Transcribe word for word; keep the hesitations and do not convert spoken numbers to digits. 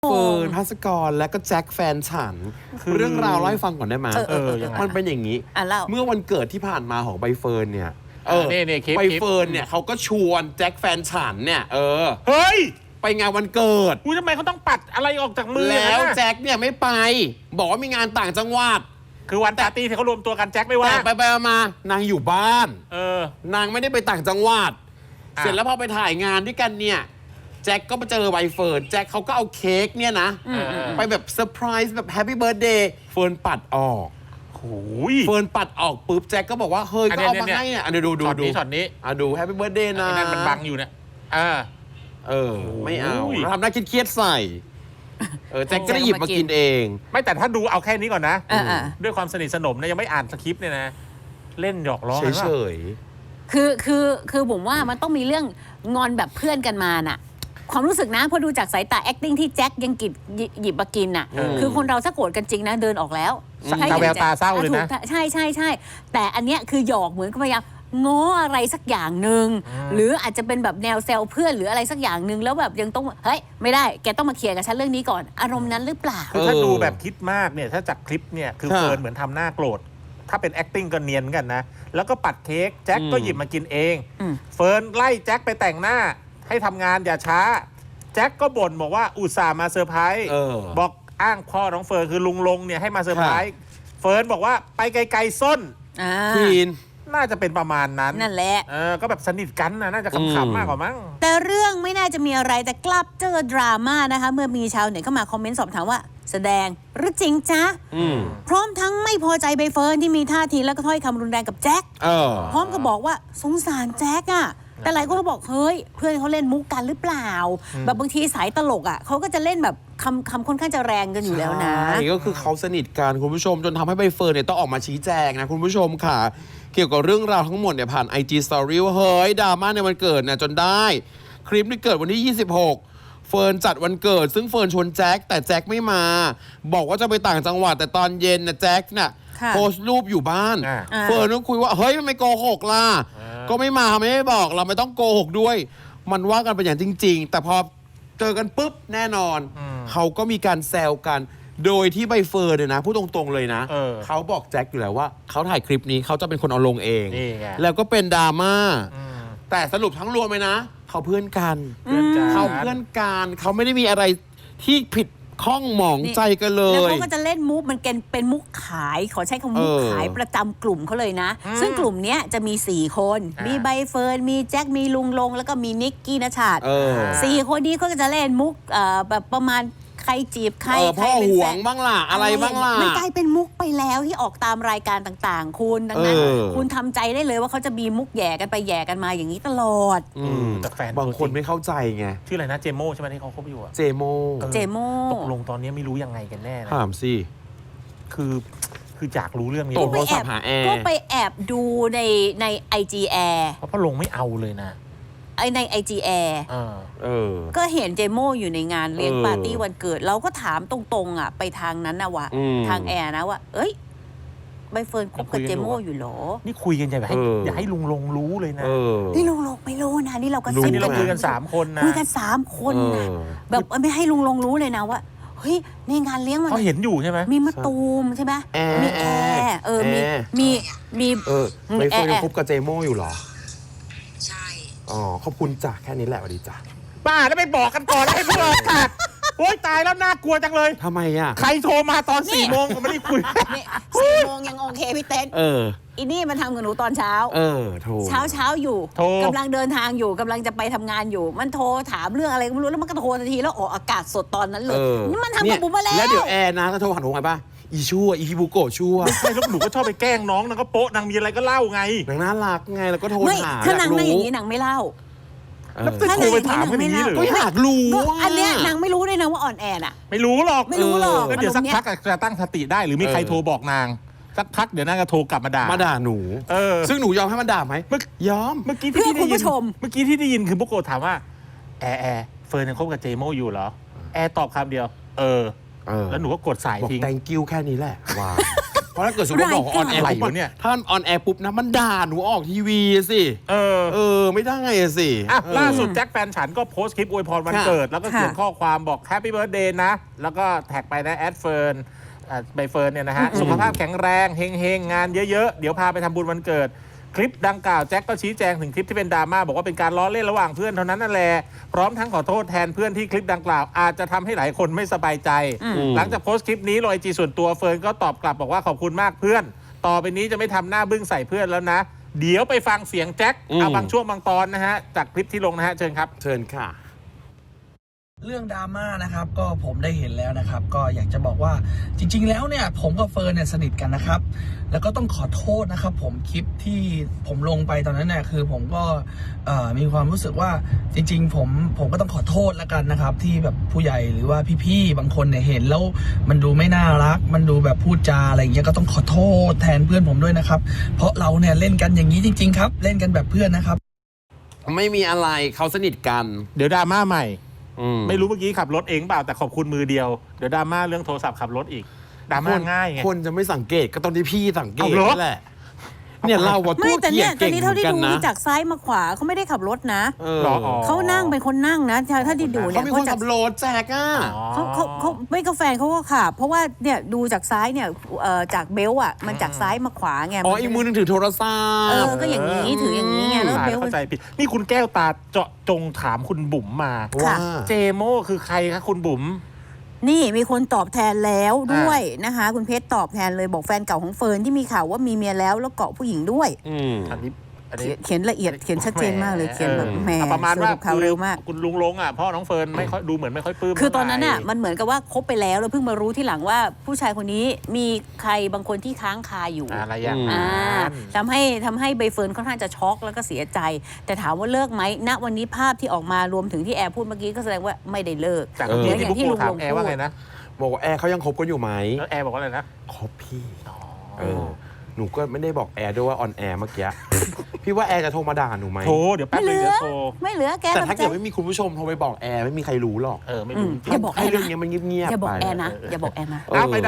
เฟิร์นภัสกรและก็แจ็คแฟนฉันเรื่องราวเล่าให้ฟังก่อนได้ไหมเออเออยังไงมันเป็นอย่างนี้ เมื่อวันเกิดที่ผ่านมาของใบเฟิร์นเนี่ยเออนี่นี่คลิปใบเฟิร์นเนี่ยเขาก็ชวนแจ็คแฟนฉันเนี่ยเออเฮ้ยไปงานวันเกิดอุ้ยทำไมเขาต้องปัดอะไรออกจากมือแล้วนะแจ็คเนี่ยไม่ไป บอกว่ามีงานต่างจังหวัดคือวันปาร์ตี้ที่เขารวมตัวกันแจ็คไม่ว่าแต่ไปไปๆมานางอยู่บ้านเออนางไม่ได้ไปต่างจังหวัดอ่ะเสร็จแล้วพอไปถ่ายงานด้วยกันเนี่ยแจ็คก็มาเจอใบเฟิร์นแจ็คเขาก็เอาเค้กเนี่ยนะเออเออไปแบบเซอร์ไพรส์แบบแฮปปี้เบิร์ดเดย์เฟิร์นปัดออกโอ้ยเฟิร์นปัดออกปุ๊บแจ็คก็บอกว่าเฮ้ยอันก็นี้เอามาเนี่ยให้อ่ะอันนี้ดูดูช็อตดูนี้ช็อตนี้อ่ะดูแฮปปี้เบิร์ดเดย์นะไอ้นั่นมันบังอยู่เนี่ยอ่าเออ ไม่เอาโอ้ยแล้วทำหน้าเครียดๆใส่เออแจ็คก็ได้หยิบมากินเองไม่แต่ถ้าดูเอาแค่นี้ก่อนนะเออเออด้วยความสนิทสนมนะยังไม่อ่านสคริปต์เนี่ยนะ เล่นหยอกล้อกันเฉว่ายคือคือคือผมว่ามันต้องมีเรื่องงอนแบบเพื่อนกันมาน่ะ ความรู้สึกนะพอดูจากสายตา acting ที่แจ็คยังกิบหยิบมากินน่ะเออคือคนเราถ้าโกรธกันจริงนะเดินออกแล้วสักใช่ตาแววตาเศร้าเลยนะถูกใช่ใช่ใช่แต่อันเนี้ยคือหยอกเหมือนกับพยายามง้ออะไรสักอย่างหนึ่งอืมหรืออาจจะเป็นแบบแนวแซวเพื่อนหรืออะไรสักอย่างหนึ่งแล้วแบบยังต้องเฮ้ยไม่ได้แกต้องมาเคลียร์กับฉันเรื่องนี้ก่อนอารมณ์นั้นหรือเปล่าคือถ้าเออดูแบบคิดมากเนี่ยถ้าจากคลิปเนี่ยคือค่ะเฟิร์นเหมือนทำหน้าโกรธถ้าเป็น acting ก็เนียนเหมือนกันนะ แล้วก็ปัดเค้กแจ็คก็อืมหยิบมากินเองอืมเฟิร์นไล่แจ็คไปแต่งหน้า ให้ทำงานอย่าช้า แจ็คก็บ่นบอกว่าอุตส่าห์มาเซอร์ไพรส์เออบอกอ้างพ่อน้องเฟิร์นคือลุงลงเนี่ยให้มาเซอร์ไพรส์เฟิร์นบอกว่าไปไกลๆส้นอ่าทีนน่าจะเป็นประมาณนั้นนั่นแหละเออก็แบบสนิทกันนะน่าจะอืมขำๆมากกว่ามั้งแต่เรื่องไม่น่าจะมีอะไรแต่กลับเจอดราม่านะคะ เมื่อมีชาวเน็ตเข้ามาคอมเมนต์สอบถามว่า แสดงหรือจริงจ๊ะอืมพร้อมทั้งไม่พอใจใบเฟิร์นที่มีท่าทีแล้วก็ถ้อยคำรุนแรงกับแจ็คเออพร้อมกับบอกว่าสงสารแจ็คอะแต่หลายคนก็บอกเฮ้ยเพื่อนเขาเล่นมุกกันหรือเปล่า แบบบางทีสายตลกอะเขาก็จะเล่นแบบคำคำค่อนข้างจะแรงกันอยู่แล้วนะใช่ก็คือเขาสนิทกันคุณผู้ชมจนทำให้ใบเฟิร์นเนี่ยต้องออกมาชี้แจงนะคุณผู้ชมค่ะ เกี่ยวกับเรื่องราวทั้งหมดเนี่ยผ่าน ไอ จี Story ว่าเฮ้ยดราม่าในวันเกิดเนี่ยจนได้ คลิปที่เกิดวันที่ ยี่สิบหก เฟิร์นจัดวันเกิด ซึ่งเฟิร์นชวนแจ็คแต่แจ็คไม่มา บอกว่าจะไปต่างจังหวัดแต่ตอนเย็นนะแจ็คน่ะค่ะโพสต์รูปอยู่บ้านอ่าอ่าเฟิร์นก็คุยว่าเฮ้ยทำไมโกหกล่ะอ่าก็ไม่มาไม่ได้บอกเราไม่ต้องโกหกด้วย มันว่ากันเป็นอย่างจริง ๆ แต่พอเจอกันปุ๊บแน่นอนอืมเขาก็มีการแซวกัน โดยที่ใบเฟิร์นเนี่ยนะพูดตรงๆเลยนะเออเขาบอกแจ็คอยู่แล้วว่าเขาถ่ายคลิปนี้เขาจะเป็นคนเอาลงเองนี่ไงแล้วก็เป็นดราม่าอืมแต่สรุปทั้งรวมเลยนะ เขาเพื่อนกันเพื่อนกันเขาเพื่อนกันเขาไม่ได้มีอะไรที่ผิดข้องหมองใจกันเลแล้วยเขาก็จะเล่นมุกมันเป็นเป็นมุกขายขอใช้คำมุกเออขายประจำกลุ่มเขาเลยนะอืมซึ่งกลุ่มเนี้ยจะมีสี่คนอ่ามีมีใบเฟิร์นมีแจ็คมีลุงลง แล้วก็มีนิกกี้นชาติเออสี่คนนี้เขาก็จะเล่นมุกเอ่อแบบประมาณใครจีบใครเออใครพ่อเป็นห่วแฟงนบ้างล่ะอะไรบ้างล่ะมันกลายเป็นมุกไปแล้วที่ออกตามรายการต่างๆ คุณดังนั้นเออคุณทำใจได้เลยว่าเขาจะมีมุกแย่กันไปแย่กันมาอย่างนี้ตลอดอืมแต่แฟนบางคนไม่เข้าใจไงชื่ออะไรนะเจโมใช่ไหมที่เขาคบอยู่อะเจโมเออเจโมตกลงตอนนี้ไม่รู้ยังไงกันแน่นะถามสิคือคืออยากรู้เรื่องนี้ตกไปโทรศัพท์หาแอร์ก็ไปแอบดูในในไอจีแอร์เพราะพ่อลงไม่เอาเลยนะไอในไอจีแอร์เออเออก็เห็นเจโมอยู่ในงานเลี้ยงเออปาร์ตี้วันเกิด เราก็ถามตรงๆอ่ะไปทางนั้นนะวะอืมทางแอร์นะว่า เอ้ยใบเฟิร์นคบกับเจโมอยู่เหรอนี่คุยกันอย่าให้เอออย่าให้ลุงลงรู้เลยนะเออนี่ลุงลงไม่รู้นะนี่เราก็รู้ซิอันบนี้กัเรานคุยกันสามคนนะคุยกันสามคนนะเออแบบไม่ให้ลุงลงรู้เลยนะว่าเฮ้ยในงานเลี้ยงมันเขาเห็นอยู่ใช่ไหมมีมะตูมใช่ไหมแอร์มีแอร์เออมีแอร์มีมีเออใบเฟิร์นแอร์ยังคบกับเจโมอยู่เหรอใช่อ๋อ ขอบคุณจ้ะแค่นี้แหละสวัสดีจ้ะป้าแล้วไปบอกกันก่อนแล้วให้พวกเราขาดโอ๊ยตายแล้วน่ากลัวจังเลยทำไมอ่ะใครโทรมาตอนสี่โมงผมไม่ได้คุยนี่สี่โมงยังโอเคพี่เต้นเอออีนี่มันทำกับหนูตอนเช้าเออ โทรเช้าเช้าอยู่โทรกำลังเดินทางอยู่กำลังจะไปทำงานอยู่ มันโทรถามเรื่องอะไรก็ไม่รู้แล้วมันก็โทรทันทีแล้วออกอากาศสดตอนนั้นเลยเออนี่มันทำกับบุ๋มมาแล้วแล้วเดี๋ยวแอร์นะก็โทรหาหนูไงป่ะ อีชั่ว อีฮิบุโกะชั่วไม่ใช่แล้วหนูก็ชอบไปแกล้งน้องนางก็โป๊ะนางมีอะไรก็เล่าไงนางน่ารักไง แล้วก็โทรไม่หาถ้านางอยกไม่รู้อย่างนี้นางไม่เล่าเออแล้วจะโทรไปถามกันอย่างนี้เหรอก็อยากรู้ก็ว่าอันเนี้ยนางไม่รู้ด้วยนะว่าอ่อนแอน่ะไม่รู้หรอกไม่รู้หรอกก็เดี๋ยวสักอารมณ์เนี้ยพักจะตั้งสติได้หรือมีใครเออโทรบอกนาง สักพักเดี๋ยวนางก็โทรกลับมาด่ามาด่าหนูเออซึ่งหนูยอมให้มันด่าไหมเมื่อยอมเมื่อกี้เพื่ที่อได้คุณยิผู้นชมเมื่อกี้ที่ได้ยินคือพวกโกถามว่าแอร์แอร์เฟิร์นยังคบกับเจโมอยู่เหรอแอร์ตอบคำเดียว เออเออแล้วหนูก็กดสายบอกทิ้ง thank you แค่นี้แหละว้าวเพราะถ้าเกิดสมมติบอกออนแอร์รายปุ๊บการเนี่ยถ้าออนแอร์ปุ๊บนะมันด่าหนูออกทีวีสิเออเออไม่ได้สิอ่ะเออล่าสุดแจ็คแฟนฉันก็โพสต์คลิปอวยพรวันค่ะเกิด แล้วก็เขียนค่ะข้อความบอกแฮปปี้เบิร์ดเดย์นะ แล้วก็แท็กไปนะแอดเฟิร์นอ่าใบเฟิร์นเนี่ยนะฮะ สุขภาพแข็งแรงเฮงเฮงๆงานเยอะๆ เดี๋ยวพาไปทำบุญวันเกิด คลิปดังกล่าวแจ็คก็ชี้แจงถึงคลิปที่เป็นดราม่าบอกว่าเป็นการล้อเล่นระหว่างเพื่อนเท่านั้นนั่นแหละพร้อมทั้งขอโทษแทนเพื่อนที่คลิปดังกล่าวอาจจะทำให้หลายคนไม่สบายใจ หลังจากโพสต์คลิปนี้ลงไอจีส่วนตัวเฟิร์นก็ตอบกลับบอกว่าขอบคุณมากเพื่อน ต่อไปนี้จะไม่ทำหน้าบึ้งใส่เพื่อนแล้วนะ เดี๋ยวไปฟังเสียงแจ็คอืมเอาบางช่วงบางตอนนะฮะจากคลิปที่ลงนะฮะเชิญครับเชิญค่ะเรื่องดราม่านะครับก็ผมได้เห็นแล้วนะครับ ก็อยากจะบอกว่าจริง ๆ แล้วเนี่ยผมกับเฟิร์นเนี่ยสนิทกันนะครับ แล้วก็ต้องขอโทษนะครับ ผมคลิปที่ผมลงไปตอนนั้นเนี่ยคือผมก็เอ่อมีความรู้สึกว่าจริง ๆ ผมผมก็ต้องขอโทษแล้วกันนะครับ ที่แบบผู้ใหญ่หรือว่าพี่ๆบางคนเนี่ยเห็นแล้วมันดูไม่น่ารัก มันดูแบบพูดจาอะไรอย่างเงี้ยก็ต้องขอโทษแทนเพื่อนผมด้วยนะครับ เพราะเราเนี่ยเล่นกันอย่างนี้จริง ๆ ครับ เล่นกันแบบเพื่อนนะครับไม่มีอะไรเขาสนิทกันเดี๋ยวดราม่าใหม่อืไม่รู้เมื่อกี้ขับรถเองเปล่าแต่ขอบคุณมือเดียวเดี๋ยวดราม่าเรื่องโทรศัพท์ขับรถอีกดราม่าง่ายไงคนจะไม่สังเกตก็ตอนที่พี่สังเกตเอาเหรอนั่นแหละ เนี่ยเราว่าไม่ตัวแต่เกียเนี่ดยตอเก่นงนี้เหมืเท่าอนที่กันดูนะจากซ้ายมาขวาเขาไม่ได้ขับรถนะเออหรออ๋อเขานั่งเป็นคนนั่งนะเท่าที่ดูเนี่เขายเป็นเพคนราะจากขับรถแจกอ่ะเขาเขาเขาไม่ก็แฟนเขาก็ขับเพราะว่าเนี่ยดูจากซ้ายเนี่ยเอ่อจากเบลต์อ่ะมันจากซ้ายมาขวาไงอ๋ออีกมือหนึงถือโทรศัพเอท์อก็อย่างนี้ถืออย่างนี้ไงแล้วตายเบลต์เข้าใจผิดนี่คุณแก้วตาเจาะจงถามคุณบุ๋มมาว่าเจโม่คือใครคะคุณบุ๋มนี่มีคนตอบแทนแล้วด้วยนะคะ คุณเพชรตอบแทนเลยบอกแฟนเก่าของเฟิร์นที่มีข่าวว่ามีเมียแล้วแล้วเกาะผู้หญิงด้วยอืมอันนี้อันนี้เขียนเขียนละเอียดเขียนชัดเจนมากเลยเขียนแบบแหมอ่ะประมาณว่าสรุปข่าวเร็วมากคุณลุงลงอ่ะพ่อน้องเฟิร์นไม่ค่อยดูเหมือนไม่ค่อยปลื้มคือตอนนั้นน่ะเท่าไหร่มันเหมือนกับว่าคบไปแล้วแล้วเพิ่งมารู้ที่หลังว่าผู้ชายคนนี้มีใครบางคนที่ค้างคาอยู่อะไรอย่างอืมนั้อ่าน ทำให้ทำให้ใบเฟิร์นค่อนข้างจะช็อกแล้วก็เสียใจ แต่ถามว่าเลิกไหมณวันนี้ภาพที่ออกมารวมถึงที่แอร์พูดเมื่อกี้ก็แสดงว่าไม่ได้เลิกจากเออที่อย่างที่ที่บุ๊กลุโกงถามลงแอร์ว่าพูดไงนะบอกว่าแอร์เขายังคบกันอยู่ไหมแล้วแอร์บอกว่าอะไรนะคบพี่เออหนูก็ไม่ได้บอกแอร์ด้วยว่าออนแอร์เมื่อกี้ พี่ว่าแอร์จะโทรมาด่าหนูไหมโทรเดี๋ยวแป๊บไม่เหนึลืงอเดี๋ยวโทรไม่เหลือแกแต่ถ้าทำใจเกิดไม่มีคุณผู้ชมโทรไปบอกแอร์ไม่มีใครรู้หรอกเออไม่รู้อืมจริงอย่าบอกแอให้ร์เรื่องนะนี้มันเงียบๆอย่าบอกไปแอร์นะอย่าบอกแอร์นะเออเอาไป